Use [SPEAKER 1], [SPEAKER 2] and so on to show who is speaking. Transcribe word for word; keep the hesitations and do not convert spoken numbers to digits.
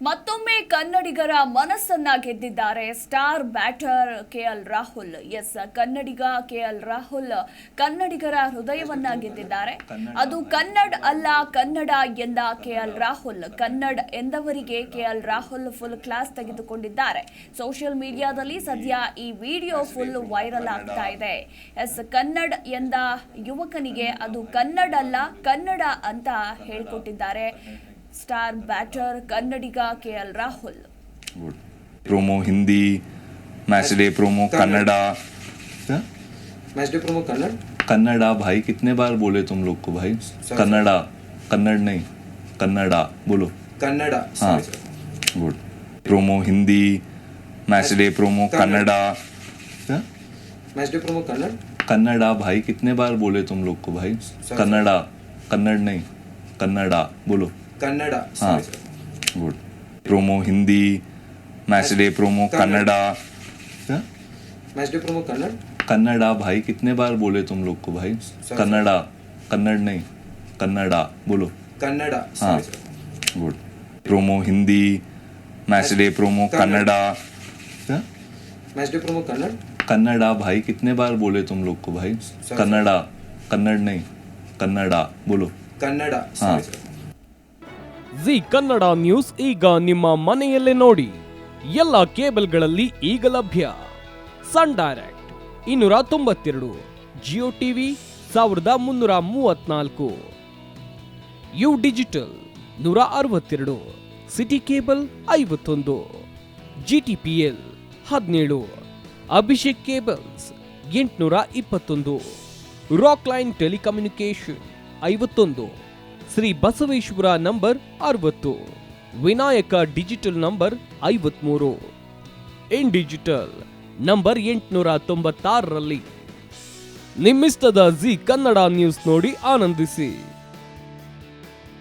[SPEAKER 1] ಮತ್ತೊಮ್ಮೆ ಕನ್ನಡಿಗರ ಮನಸ್ಸನ್ನ ಗೆದ್ದಿದ್ದಾರೆ star batter KL Rahul. Yes, Kannadiga KL Rahul ಕನ್ನಡಿಗರ ಹೃದಯವನ್ನ ಗೆದ್ದಿದ್ದಾರೆ. ಅದು ಕನ್ನಡ ಅಲ್ಲ ಕನ್ನಡ ಎಂದ ಕೆಎಲ್ ರಾಹುಲ್. ಕನ್ನಡ ಎಂದವರಿಗೆ ಕೆಎಲ್ ರಾಹುಲ್ ಫುಲ್ ಕ್ಲಾಸ್ ತೆಗೆದುಕೊಂಡಿದ್ದಾರೆ. ಸೋಷಿಯಲ್ ಮೀಡಿಯಾದಲ್ಲಿ ಸದ್ಯ ಈ ವಿಡಿಯೋ ಫುಲ್ ವೈರಲ್ ಆಗ್ತಾ ಇದೆ. ಎಸ್, ಕನ್ನಡ ಎಂದ ಯುವಕನಿಗೆ ಅದು ಕನ್ನಡ ಅಲ್ಲ ಕನ್ನಡ ಅಂತ ಹೇಳ್ಕೊಟ್ಟಿದ್ದಾರೆ star batter Kannadiga KL Rahul.
[SPEAKER 2] Promo Hindi, match day promo Kannada,
[SPEAKER 3] match day promo Kannada
[SPEAKER 2] Kannada भाई कितने बार बोले तुम लोग को भाई? कन्नड़ा, कन्नड़ नहीं कन्नड़ा बोलो.
[SPEAKER 3] कन्नड़ा
[SPEAKER 2] हाँ good. Promo Hindi, match day promo Kannada,
[SPEAKER 3] match day promo Kannada
[SPEAKER 2] Kannada भाई कितने बार बोले तुम लोग को भाई? कन्नड़ा, कन्नड़ नहीं कन्नड़ा बोलो.
[SPEAKER 3] कन्नड़ा
[SPEAKER 2] हाँ good. Promo Hindi, match day promo Kannada,
[SPEAKER 3] match day promo Kannada
[SPEAKER 2] Kannada भाई कितने बार बोले तुम लोग को भाई? कन्नड़ा, कन्नड़ नहीं कन्नड़ा बोलो.
[SPEAKER 3] कन्नड़ा
[SPEAKER 2] हाँ good. Promo Hindi, match day promo Kannada,
[SPEAKER 3] match day promo Kannada
[SPEAKER 2] Kannada भाई कितने बार बोले तुम लोग को भाई? कन्नड़ा, कन्नड़ नहीं कन्नड़ा बोलो.
[SPEAKER 3] कन्नड़ा
[SPEAKER 2] हाँ.
[SPEAKER 4] ಜಿ ಕನ್ನಡ ನ್ಯೂಸ್ ಈಗ ನಿಮ್ಮ ಮನೆಯಲ್ಲೇ ನೋಡಿ. ಎಲ್ಲ ಕೇಬಲ್ಗಳಲ್ಲಿ ಈಗ ಲಭ್ಯ. ಸನ್ ಡೈರೆಕ್ಟ್ ಇನ್ನೂರ ತೊಂಬತ್ತೆರಡು, ಜಿಯೋ ಟಿವಿ ಸಾವಿರದ ಮುನ್ನೂರ ಮೂವತ್ನಾಲ್ಕು, ಯು ಡಿಜಿಟಲ್ ನೂರ ಅರವತ್ತೆರಡು, ಸಿಟಿ ಕೇಬಲ್ ಐವತ್ತೊಂದು, ಜಿಟಿಪಿಎಲ್ ಹದಿನೇಳು, ಅಭಿಷೇಕ್ ಕೇಬಲ್ಸ್ ಎಂಟುನೂರ ಇಪ್ಪತ್ತೊಂದು, ರಾಕ್ ಲೈನ್ ಟೆಲಿಕಮ್ಯುನಿಕೇಶನ್ ಐವತ್ತೊಂದು, ಶ್ರೀ ಬಸವೇಶ್ವರ ನಂಬರ್ ಅರವತ್ತು, ವಿನಾಯಕ ಡಿಜಿಟಲ್ ನಂಬರ್ ಐವತ್ಮೂರು, ಇನ್ ಡಿಜಿಟಲ್ ನಂಬರ್ ಎಂಟುನೂರ ತೊಂಬತ್ತಾರರಲ್ಲಿ. ನಿಮ್ಮಿಸ್ತದ ಜಿ ಕನ್ನಡ ನ್ಯೂಸ್ ನೋಡಿ ಆನಂದಿಸಿ.